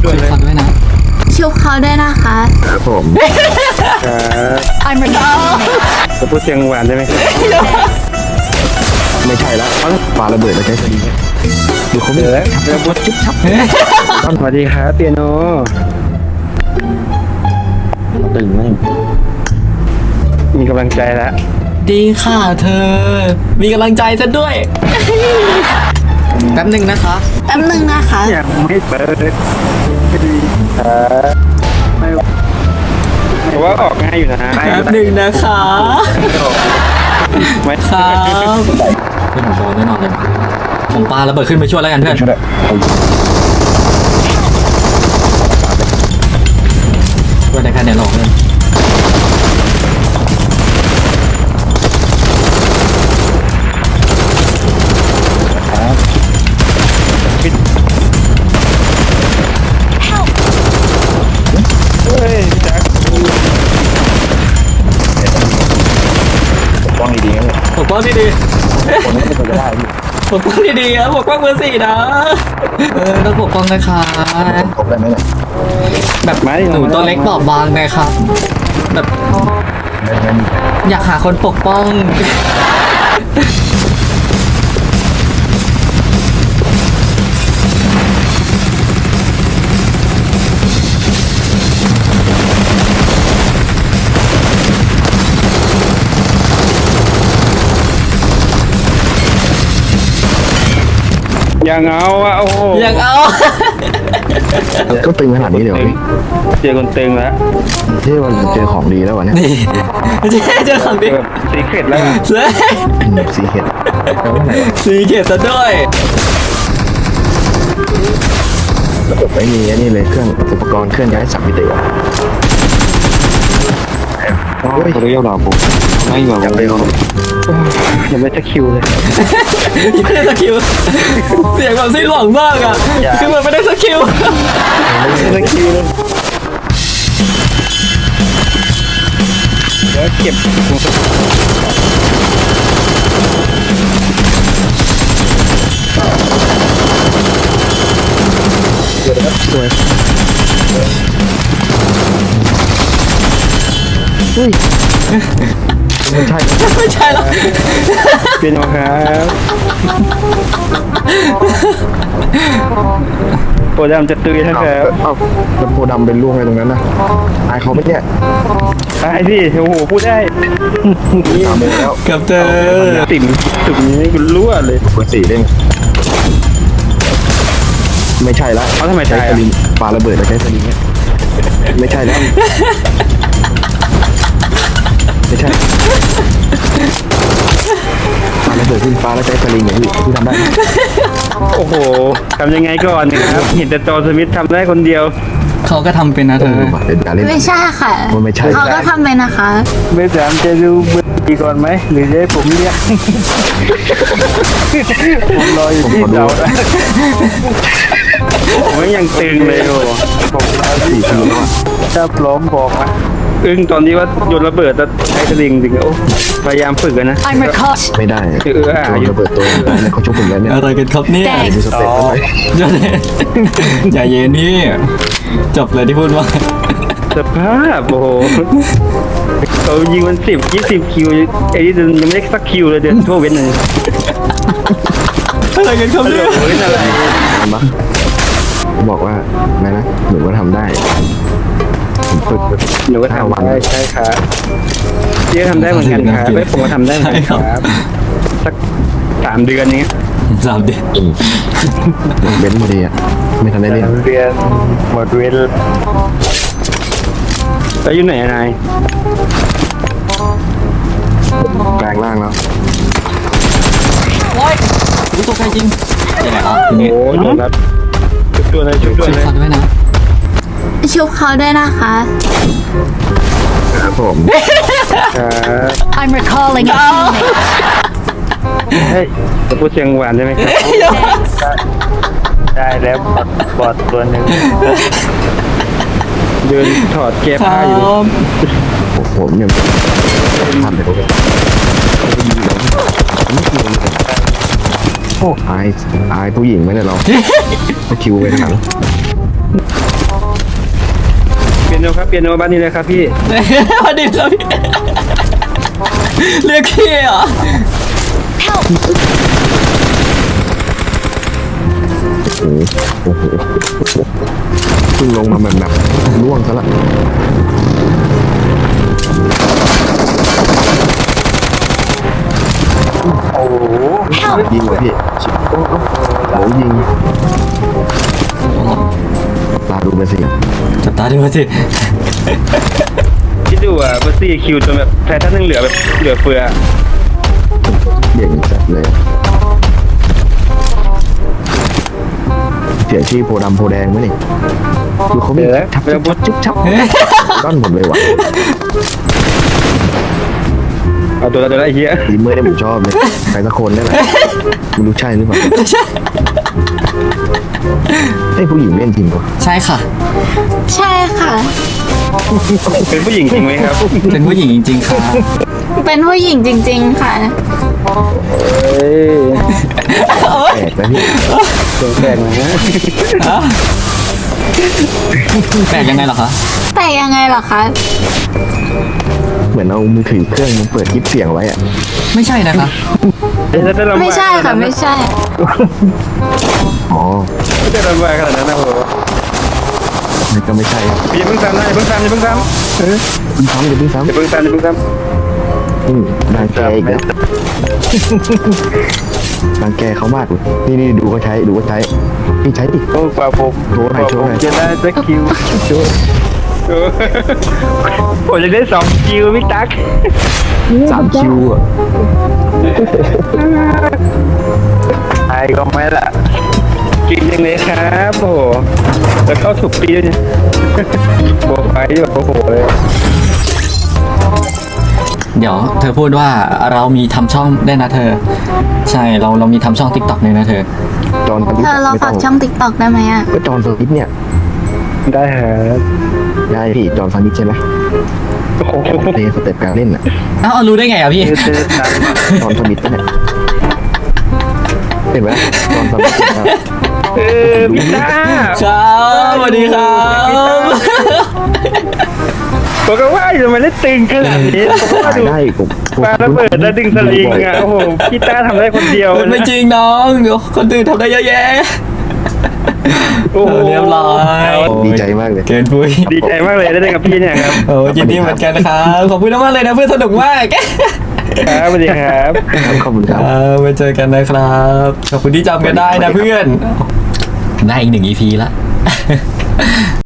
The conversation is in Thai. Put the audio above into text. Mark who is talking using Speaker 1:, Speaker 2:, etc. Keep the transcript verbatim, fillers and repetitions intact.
Speaker 1: ช่วยเลยด้วยนะ
Speaker 2: ชุบเขาด้วยนะคะ
Speaker 3: ครับผมครับ
Speaker 2: I'm a dog
Speaker 3: จะพูดเสียงหวานได้ไหมไม่ใช่แล้วปาระเบิดแล้วใช้สลิงดูเขาไม่แล้วแล้วพูดจุ๊บชับสวัสดีครับเปียโนตื่นไหมมีกำลังใจแล้ว
Speaker 1: ดีค่ะเธอมีกำลังใจซะด้วยแป๊บหนึ่งนะคะ
Speaker 2: แป๊บหนึ่งนะคะ
Speaker 3: ยังไม่เปิดไม่ดีครับไม่เพราะว่าออกง่ายอยู่นะ
Speaker 1: แป๊บหนึ่งนะคะ
Speaker 3: ไม่
Speaker 1: ครับเพื่อนผมโดนแน่นอนเลยผมปาระเบิดขึ้นไปช่วยแล้วกันเพื่อนช่วยได้แค่เนี่ยหลอกเลย
Speaker 3: ปกป้องดีๆ
Speaker 1: ปกป้องดีๆ
Speaker 3: คนนี้ไม่ควรจะได้
Speaker 1: ปกป้องดีๆครับปกป้องเบอร์สี่นะเออต้องปกป้องนะคะ
Speaker 3: ปกได้ไหมเนี่ย
Speaker 1: แบบหนูตัวเล็กบอบบางนะครับแบบอยากหาคนปกป้อง
Speaker 3: ยังเอาอะโอ้โห
Speaker 1: ยังเอา
Speaker 3: ก็ตึงขนาดนี้เดี๋ยวเจอคนตึงแล้วเท่วันเจอของดีแล้ววะเนี่ย
Speaker 1: นี่เจอของดี
Speaker 3: สีเข็ดแล้วสีเข็ด
Speaker 1: สีเข็ดซะด้วย
Speaker 3: ระบบไม่มีนี่เลยเครื่องอุปกรณ์เคลื่อนย้ายสับมิติโอ้ยเขาเรียกเราปุ๊บไม่เหมือนกันเลยยังไม่ตะคิวเลย
Speaker 1: ยังไม่ได้สกิลเสียงแบบสิ้นหวังมากอ่ะคือมันไม่ได้สกิล
Speaker 3: ไม่ได้สกิลเลยเดี๋ยวเก็บเดี๋ยวนะครับสวยเฮ้ยไม่ใช่
Speaker 1: ไม่ใช่แล้ว
Speaker 3: เป็นโอครับโพดำจะตุยนะครับเอ้าแล้วโพดำเป็นล่วงอะไรตรงนั้นนะตายเขาไม่เนี่ยตายสิโอ้โหพูดได้ตามไปแล้ว
Speaker 1: กับเธอ
Speaker 3: ติ่มตุ่มนี้คุณรั่วเลยคนสี่เด้งไม่ใช่ละเขาทำไมใช้สลิงปาระเบิดแล้วใช้สลิงเนี่ยไม่ใช่แล้วไม่ใช่ปาระเบิดขึ้นฟ้าแล้วใช้สลิงอย่างที่ที่ทำได้โอ้โหทำยังไงก่อนนะครับเห็นแต่จอสมิธทำได้คนเดียว
Speaker 1: เขาก็ทำเป็นนะเธอ
Speaker 3: เป็นการเล่น
Speaker 2: ไม่ใช่ค่ะ
Speaker 3: ไม่ใช่
Speaker 2: เขาก็ทำเป็นนะคะ
Speaker 3: ไม่ถามจะดูเบอร์ดีก่อนไหมหรือจะให้ผมเรียกผมรออยู่ที่เสาผมยังตึงเลยโอ้ผมรอที่เสาถ้าพร้อมบอกนะอึ้งตอนนี้ว่าโยนระเบิดแล้วใช้สลิงจริงโอ้พยายามฝึกกันนะไม่ได้คือเออโยนระเบิดตัวแล้วเขาชกผมแล้วเนี่ย
Speaker 1: อะไรกันครับเนี่ย
Speaker 3: มีสเต็ปอะไร
Speaker 1: อย่าเย็นนี่จบเลยที่พูดว่า
Speaker 3: สภาพโอ้โหเขายิงมันสิบยี่สิบคิวไอ้นี่ยังไม่ได้สักคิวเลยเดือนทั่วเว้นเลย
Speaker 1: อะไรกันครับเนี่ย
Speaker 3: อะไรบอกว่าไงนะหนูก็ทำได้ฝึกหนูก็ทำได้ใช่ครับพี่ก็ทำได้เหมือนกันครับไม่ผมก็ทำได้เหมือนกันครับสักสามเดือนนี้
Speaker 1: สามเดือน
Speaker 3: เว้นพอดีอ่ะไม่ทันได้เล่นเดือนหมดเว้นแล้วอยู่ไหนนายแปลงร่างแล้ว
Speaker 1: โอ้ยรู้ตัวใครจริงยังไงครับ
Speaker 3: โอ้ยโดนครับชุบตัวเลยชุบตัวเลย
Speaker 1: ชุบด้วยนะ
Speaker 2: ชุบเขาด้วยนะคะ
Speaker 3: ครับผม
Speaker 2: I'm recalling it
Speaker 3: เฮ้ยจะพูดเสียงหวานได้ไหมครับได้แล้วบอดบอดตัวหนึ่งเดินถอดแก้ผ้าอยู่ผมเนี่ยทำเลยโอ้อายอายผู้หญิงไหมเนี่ยเราคิวไปถังครับเปียโนบ้านนี้เลยครับพี่
Speaker 1: พอดีครับพี่เรียกพี่เหรอ
Speaker 4: โอ้โหโอ้โหเพิ่งลงมาแบบแบบล่วงซะละโอ้โหยิงว่ะพี่โอ้โหโอ้โหยิงตาดูไปสิ
Speaker 1: จับตาดูมาสิ
Speaker 3: คิดดูอ่ะเบอร์ซี่คิวจนแบบแพ้ท่านนึงเหลือแบบเหลือเฟือ
Speaker 4: เด่งจัดเลยเสียชื่อโพดำโพแดงไหมนี่ดูเขาไม่ทับทับทับจุ๊บชับก้อนหมดเลยว่ะ
Speaker 3: เอาตัวละตัวละไอ้เหี้ย
Speaker 4: ดีเมื่อได้ผมชอบเลยใครสักคนได้แหละไม่รู้ใช่หรือเปล่าไอ้ผู้หญิงเล่นจริงปะ
Speaker 1: ใช่ค่ะ
Speaker 2: ใช่ค่ะ
Speaker 3: เป็นผู้หญิงจริงไหมครับ
Speaker 1: เป็นผู้หญิงจริงๆค่ะ
Speaker 2: เป็นผู้หญิงจริง ๆ ค่ะ
Speaker 3: เฮ้ย
Speaker 4: แปลกนะพี่
Speaker 3: เสียงแปลกนะ
Speaker 1: แปลกยังไงเหรอคะ
Speaker 2: แต่ยังไงเหรอคะ
Speaker 4: เหมือนเอามือถือเครื่องมันเปิดคลิปเสียงไว้อะ
Speaker 1: ไม่ใช่นะคะ
Speaker 3: จะได้ลำบาก
Speaker 2: ไม่ใช่ค่ะไม่ใช่
Speaker 4: อ๋อ
Speaker 3: ไม่ได้ลำบากขนาดนั้นนะโห
Speaker 4: มันก็ไม่ใช่
Speaker 3: พี่อย่าเพิ่งซ้ำนะอย่าเพิ่งซ้ำอย่าเพิ่งซ้ำเออ
Speaker 4: เพิ่งซ้ำเดี๋ยวเพิ่งซ้
Speaker 3: อย่าเพิ่งซ้ำอย่าเพิ่งซ้ำ
Speaker 4: ำอืมบางแกอีกแล้วบางแกเขามากเลยนี่นี่ดูเขาใช้ดูเขาใช้พี่ใช้ดิ
Speaker 3: โอ้กว่าผม
Speaker 4: โชว์หน่อยโชว์หน่อย
Speaker 3: จะได้สักคิวโชว์เออผมจะได้สองคิวพี่ตั๊ก
Speaker 4: สามคิวอ่ะ
Speaker 3: ไอ้ก็ไม่ละกินยังไงครับโอ้โหแล้วเข้าถูกปีด้วยเนี่ยโบกไปแบบโอ้โหเลย
Speaker 1: เดี๋ยวเธอพูดว่าเรามีทำช่องได้วยนะเธอ ใช่เราเรามีทำช่องติ๊กต็อกเลยนะเธอ
Speaker 4: จอนสวิต
Speaker 2: เธอเรา
Speaker 4: ไม่
Speaker 2: ฝา
Speaker 4: ต้
Speaker 2: ก
Speaker 4: อง
Speaker 2: ช่องติ๊กต็อกได้ไหมอ่ะ
Speaker 4: ก็จอนสวิตเนี่ย
Speaker 3: ได้ครับ
Speaker 4: ได้พี่จอนสวิตใช่ไหม
Speaker 3: โอ้โห
Speaker 4: ในสเต็ปการเล่นอ่ะ
Speaker 1: เอ้ารู้ได้ไงอ่ะพี่
Speaker 3: เจอเจอหนัง
Speaker 4: จอนสวิตเนี่ยเห็นไหมจอนสวิตนะครับ
Speaker 3: เออพี่ต้า
Speaker 1: ครับสวัสดีครับ
Speaker 3: ผมก็ว่าอยู่ทำไมเล่นตึงขนาดนี้ผมก็ว่า
Speaker 4: ถ่าย
Speaker 3: ดู
Speaker 4: ได้ผมผม
Speaker 3: ปลาระเบิดแล้วดึงสลิงอ่ะโอ้โหพี่ต้าทำได้คนเดียว
Speaker 1: ไม่จริงน้องเดี๋ยวคนอื่นทำได้เยอะแยะ
Speaker 3: โอ้โห
Speaker 1: เรียบร้อย
Speaker 4: ดีใจมากเลย
Speaker 1: เกินปุ้ย
Speaker 3: ดีใจมากเลยได้เล่นกับพี่เนี่ยครับ
Speaker 1: โอ้ยินดีเหมือนกันครับขอบคุณมากเลยนะเพื่อนสนุกมาก
Speaker 3: ครับสวัสดีครับ
Speaker 4: ขอบคุณครับ
Speaker 1: ครับไว้เจอกันนะครับขอบคุณที่จำกันได้นะเพื่อนได้อีกหนึ่ง อี พี ละ